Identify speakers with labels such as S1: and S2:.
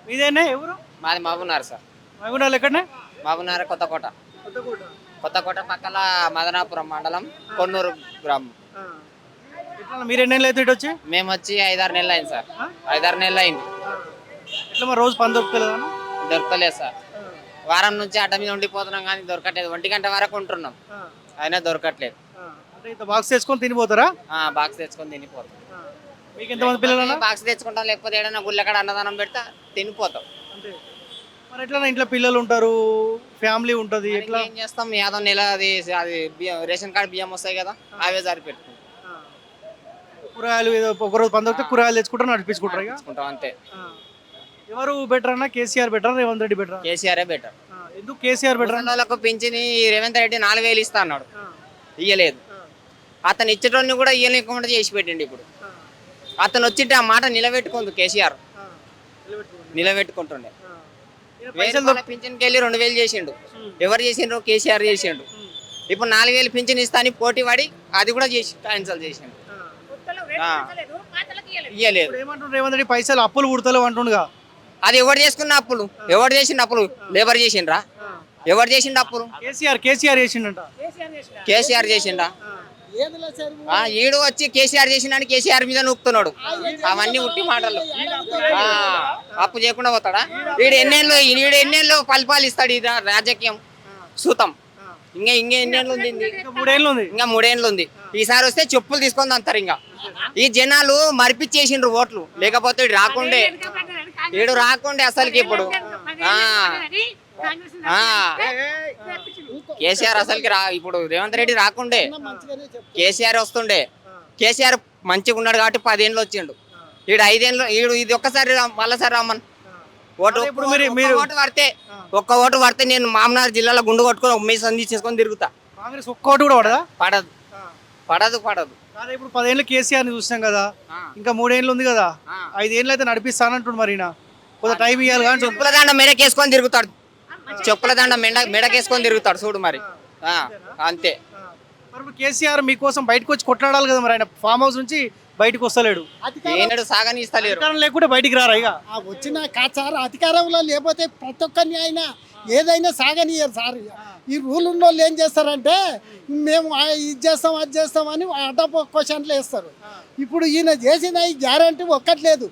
S1: మీదేనా ఎవరు?
S2: మాది మహబూబ్నగర్ సార్.
S1: మహబూబ్నగర్ ఎక్కడనే?
S2: మహబూబ్నగర్ కొత్తకోట. కొత్తకోట పక్కల మదనాపురం మండలం కొన్నూరు గ్రామం.
S1: ఎట్లా మీరు ఎన్ని నెలలు అయితే ఇటు వచ్చి?
S2: మేము వచ్చి 5-6 నెలలు అయింది సార్. 5-6 నెలలు అయింది.
S1: ఎట్లా మరి రోజు పని దొరుకుతలేదా?
S2: దొరకలేదు సార్. వారం నుంచి అడ్డ మీద ఉండిపోతున్నాం కానీ దొరకట్లేదు. 1 గంట వరకు ఉంటున్నాం అయినా దొరకట్లేదు.
S1: అంటే ఇంత బాక్స్ తెచ్చుకొని తినిపోతారా?
S2: బాక్స్ తెచ్చుకొని తినిపోతాం.
S1: మీకు ఎంతమంది పిల్లలు?
S2: బాక్స్ తెచ్చుకుంటాం, లేకపోతే ఏదైనా గుళ్ళెక్కడ అన్నదానం పెడతా తినిపోతాం.
S1: మరి ఎట్లా ఇంట్లో పిల్లలు ఉంటారు, ఫ్యామిలీ ఉంటుంది, ఎట్లా
S2: ఏం చేస్తాం? ఏదో నెల అది రేషన్ కార్డు బియ్యం వస్తాయి కదా, అవే సరిపెట్టుకుంటాం.
S1: కూరగాయలు ఏదో ఒకరోజు పని దొరికితే కూరగాయలు తెచ్చుకుంటారు, నడిపించుకుంటారు.
S2: తెచ్చుకుంటాం అంతే.
S1: ఎవరు బెటర్ అన్న? KCR better, Revanth Reddy better?
S2: KCR better.
S1: ఎందుకు కేసీఆర్ బెటర్?
S2: వాళ్ళకు పింఛని రేవంత్ రెడ్డి 4000 ఇస్తా అన్నాడు, ఇయ్యలేదు. అతను ఇచ్చేటోని కూడా ఇయ్యలేకుండా చేసి పెట్టిండు. ఇప్పుడు అతను వచ్చింటే ఆ మాట నిలబెట్టుకుంది కేసీఆర్, నిలబెట్టుకుంటుండే. పింఛన్కి వెళ్ళి 2000 చేసిండు. ఎవరు చేసిండ్రు? కేసీఆర్ చేసిండు. ఇప్పుడు 4000 పింఛన్ ఇస్తా అని పోటీ పడి అది కూడా చేసి క్యాన్సల్ చేసిండు, ఇయ్యలేదు.
S1: ఏమంటుండ్రు రేవంత్ రెడ్డి? పైసలు అప్పులు పుడతలేవు అంటుండగా.
S2: అది ఎవరు చేసుకున్న అప్పులు? ఎవరు చేసిండు అప్పులు? లేబర్ చేసిండ్రా? ఎవరు చేసిండు అప్పులు?
S1: కేసీఆర్ చేసిండంట.
S2: కేసీఆర్ చేసిండా? ఈడు వచ్చి కేసీఆర్ చేసిండని కేసీఆర్ మీద నూపుతున్నాడు. అవన్నీ ఉట్టి మాటలు. అప్పు చేయకుండా పోతాడా? వీడు ఎన్నేళ్ళు పరిపాలిస్తాడు ఈ రాజకీయం సూతం. ఇంకా ఎన్నేళ్ళు ఉంది? ఇంకా 3 ఏళ్ళు ఉంది. ఈసారి వస్తే చెప్పులు తీసుకొని అంటారు. ఇంకా ఈ జనాలు మరిపించేసిండ్రు ఓట్లు, లేకపోతే వీడు రాకుండే అసలుకి. ఇప్పుడు కేసీఆర్ అసలుకి ఇప్పుడు రేవంత్ రెడ్డి రాకుండే, కేసీఆర్ వస్తుండే. కేసీఆర్ మంచిగా ఉన్నాడు కాబట్టి 10 ఏళ్ళు వచ్చిండు. వీడు 5 ఏళ్ళు, ఇది ఒక్కసారి మళ్ళీసారి రమ్మను. ఒక్క ఓటు పడితే నేను మామనార్ జిల్లాలో గుండు కొట్టుకొని ఉమ్మేసి సంధి చేసుకొని తిరుగుతా.
S1: కాంగ్రెస్ ఒక్క ఓటు కూడా పడదా?
S2: పడదు.
S1: ఇప్పుడు 10 ఏళ్ళు కేసీఆర్ ని చూసాం కదా, ఇంకా 3 ఏళ్ళు ఉంది కదా, 5 ఏళ్ళు అయితే నడిపిస్తానంటుండు. మరి కొంత టైం ఇవ్వాలి. కానీ
S2: చెప్పుల దండ మెడకేసుకొని తిరుగుతాడు, చెప్పుల దండ మెడకేసుకొని తిరుగుతాడు చూడు. మరి అంతే.
S1: మరి కేసీఆర్ మీకోసం బయటకు వచ్చి కొట్లాడాలి కదా, మరి ఆయన ఫామ్ హౌస్ నుంచి బయటకు వస్తలేడు.
S2: ఏనాడు సాగని ఇస్తలేరు,
S1: లేకుంటే బయటికి రారా? ఇక
S3: వచ్చిన సార్ అధికారంలో లేకపోతే ప్రతి ఒక్కరిని ఆయన ఏదైనా సాగనియరు సార్. ఈ రూల్ ఉన్న వాళ్ళు ఏం చేస్తారంటే మేము ఇది చేస్తాం అది చేస్తామని అడ్డ క్వశ్చన్లు వేస్తారు. ఇప్పుడు ఈయన చేసిన ఈ గ్యారంటీ ఒక్కట్లేదు.